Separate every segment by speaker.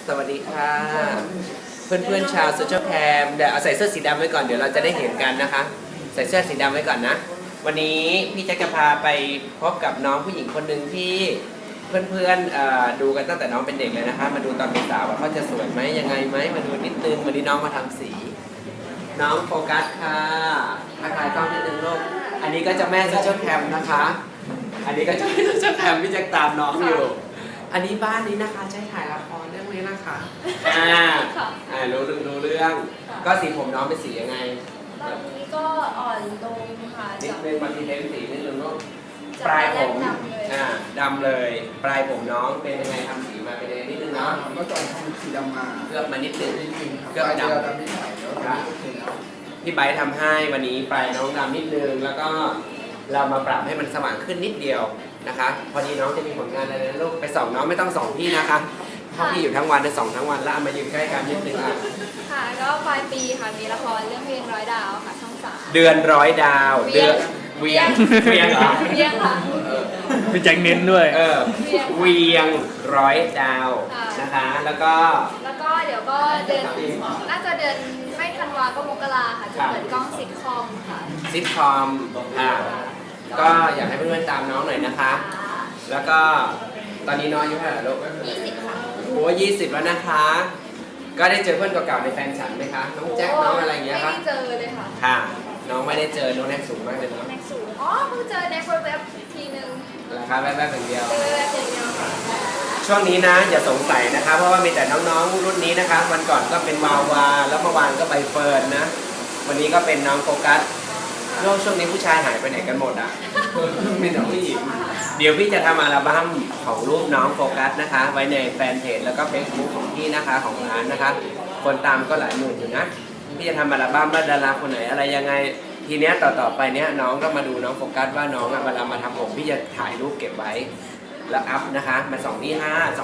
Speaker 1: สวัสดีค่ะเพื่อนๆชาวโซเชียลแคมเดี๋ยวเอาใส่เสื้อสีดำไว้ก่อนเดี๋ยวเราจะได้เห็นกันนะคะ ใส่เสื้อสีดำไว้ก่อนนะวันนี้พี่แจ๊คจะพาไปพบกับน้องผู้หญิงคนหนึ่งที่เพื่อนๆดูกันตั้งแต่น้องเป็นเด็กเลยนะคะมาดูตอนเป็นสาวว่าเขาจะสวยไหมยังไงไหมมาดูนิดนึงวันนี้น้องมาทำสี น้องโฟกัสค่ะทักทายกล้องนิดนึงลูกอันนี้ก็จะแม่โซเชียลแคมนะคะ อันนี้ก็จะแม่โซเชียลแคมพี่แจ๊คตามน้องอยู่อันนี้บ้านนี้นะคะใช้ถ่ายละครเรื่องนี้นะคะรู้เรื่องก็สีผมน้องเป็นสียังไง
Speaker 2: ตอนนี้ก็อ่อนลงค่ะ
Speaker 1: นิดนึงบางทีเทนสีนิดนึงก็ปลายผมดำเลยปลายผมน้องเป็นยังไงทำสีมาเป็นยังไงนิดนึงเนาะ
Speaker 3: เมื่อก่อนทำสีดำมา
Speaker 1: เคลือบมานิดนึง
Speaker 3: เคลือบดำนิดหน่อยแล้วโอเคแล้ว
Speaker 1: พี่ไบร์ททำให้วันนี้ปลายน้องดำนิดนึงแล้วก็เรามาปรับให้มันสว่างขึ้นนิดเดียวนะคะพอดีน้องจะมีผลงานอะไรนะลูกไปส่องน้องไม่ต้องส่องพี่นะคะเพราะพี่อยู่ทั้งวันจะส่องทั้งวันแล้วมายืนใกล้กันนิดนึง
Speaker 2: ค่ะก็ปลายปีค่ะมีละครเรื่องเวียงร้อยดาวค่ะช่อง3
Speaker 1: เดือนร้อยดาวเดือนเวียงเหรอ
Speaker 2: เวียงค่ะ
Speaker 4: พี่แจ็คเน้นด้วย
Speaker 1: เวียงร้อยดาวนะคะแล้วก็
Speaker 2: เดี๋ยวก็เดือนน่าจะเดือนไม่ธันวาก็มกราค่ะจะเปิดกล้องซิทคอมค่ะ
Speaker 1: ซิทคอมก็อยากให้เพื่อนๆตามน้องหน่อยนะคะแล้วก็ตอนนี้น้องอายุเท่าไหร่ลูก
Speaker 2: 20ค่ะ
Speaker 1: โอ้20แล้วนะคะก็ได้เจอเพื่อนเก่าๆในแฟนฉันไหมคะน้องแจ็คน้องอะไรอย่างเงี้ยครับ
Speaker 2: ไม่ได้เจอเลยค่ะ
Speaker 1: ค่ะน้องไม่ได้เจอน้องแน็กสูงมากเลยเนาะ
Speaker 2: แน็กสูงเพิ่งเจอแน็กแวบๆทีนึง
Speaker 1: ราคาแวบๆอย่างเดียว
Speaker 2: เจอแวบๆอย่างเดียวค่ะ
Speaker 1: ช่วงนี้นะอย่าสงสัยนะคะเพราะว่ามีแต่น้องๆรุ่นนี้นะคะวันก่อนก็เป็นวาวาแล้วเมื่อวานก็ใบเฟิร์นนะวันนี้ก็เป็นน้องโฟกัสช่วงนี้ผู้ชายหายไปไหนกันหมดอ่ะมีแต่ผู้หญิงเดี๋ยวพี่จะทำอัลบั้มของรูปน้องโฟกัสนะคะไว้ในแฟนเพจแล้วก็เฟซบุ๊กของพี่นะคะของร้านนะคะคนตามก็หลายหมื่นอยู่นะพี่จะทำอัลบั้มว่าดาราคนไหนอะไรยังไงทีเนี้ยต่อไปเนี้ยน้องก็มาดูน้องโฟกัสว่าน้องเวลามาทำผมพี่จะถ่ายรูปเก็บไว้แล้วอัพนะคะมาส่องที่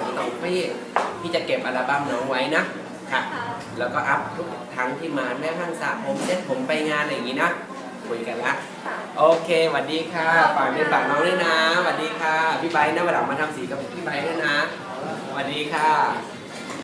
Speaker 1: 5พี่จะเก็บอัลบั้มน้องไว้นะค่ะแล้วก็อัพทุกครั้งที่มาแม้กระทั่งสระผมเซ็ตผมไปงานอะไรอย่างงี้นะคุยกันละโอเคสวัสดีค่ะฝากน้องด้วยนะสวัสดีค่ะพี่ไบร์ทนะวันหลังมาทำสีกับพี่ไบร์ทด้วยนะสวัสดีค่ะ